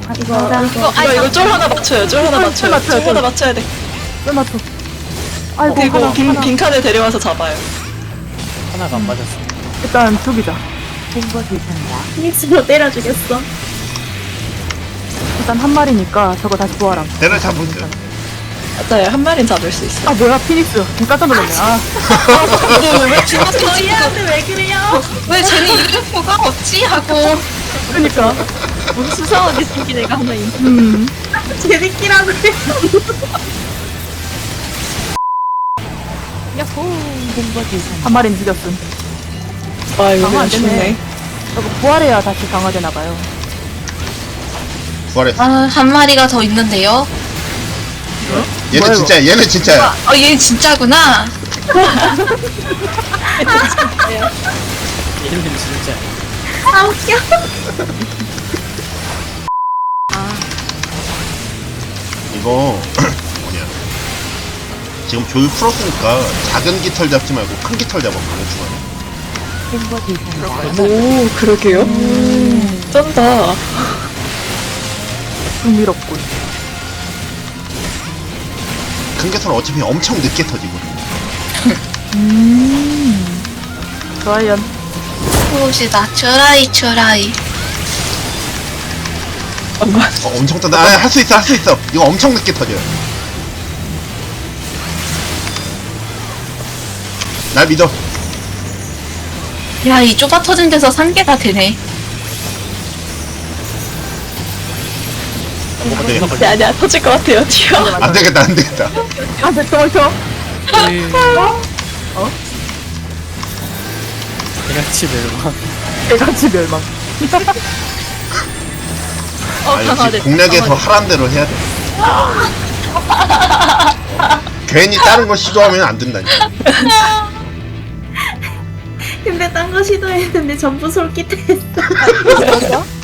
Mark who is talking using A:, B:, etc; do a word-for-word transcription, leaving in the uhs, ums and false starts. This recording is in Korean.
A: 이거
B: 아,
A: 이거
B: 이거 이거 쫄 하나 맞춰요. 쫄 하나 맞춰요.
C: 맞춰요,
B: 쫄 하나
C: 쫄.
B: 맞춰야 돼.
C: 왜 맞춰? 아이고
B: 그리고
C: 하나,
B: 빈,
C: 하나.
B: 빈칸에 데려와서 잡아요.
D: 하나가 안 맞았어.
C: 일단 죽이자.
A: 피닉스로 때려주겠어.
C: 일단 한 마리니까 저거 다시 부활함.
E: 내가 잡으세요.
B: 맞아요. 한 마리는 잡을 수 있어.
C: 아 뭐야 피닉스. 지금 깜짝 놀랐네. 아
B: 왜 죽었어?
A: 저희한테 왜 그래요?
B: 왜 쟤는 이름표가 없지? 하고.
C: 그러니까.
A: 무슨 수상하게 생긴 애가 하나 있네.
C: 음.
A: 재밌기라고 해요.
C: 한 마리는 죽였음.
B: 아 이거
C: 강화
B: 그냥
C: 안 되네.
B: 죽네.
C: 저거 부활해야 다시 강화되나 봐요.
E: 부활했어.
F: 아, 한 마리가 더 있는데요.
E: 얘는
C: 뭐야,
E: 진짜 얘는 진짜야.
F: 어, 얘 진짜구나.
D: 이름은 진짜.
A: 아 웃겨.
E: 이거 뭐냐. 지금 조율 풀었으니까 작은 깃털 잡지 말고 큰 깃털 잡아보면 중간에.
B: 오 그러게요. 쩐다.
C: 흥미롭군.
E: 큰 깃털은 어차피 엄청 늦게 터지고.
C: 음. 좋아요.
F: 보시다. 추라이, 추라이.
B: 잠깐만.
E: 어, 엄청 떤다. 아, 할 수 있어, 할 수 있어. 이거 엄청 늦게 터져요. 날 믿어.
F: 야, 이 좁아 터진 데서 산 개가 되네.
E: 어때?
B: 네, 아니야 터질 것 같아요. 튀어.
E: 안 되겠다, 안 되겠다.
C: 아 됐어 벌써.
D: 개같이 멸망.
C: 개같이 멸망.
B: 어
E: 아, 역시
B: 강화됐다.
E: 공략에서 하란 대로 해야 돼. 괜히 다른 거 시도하면 안 된다니까.
A: 근데 딴 거 시도했는데 전부 솔깃했어.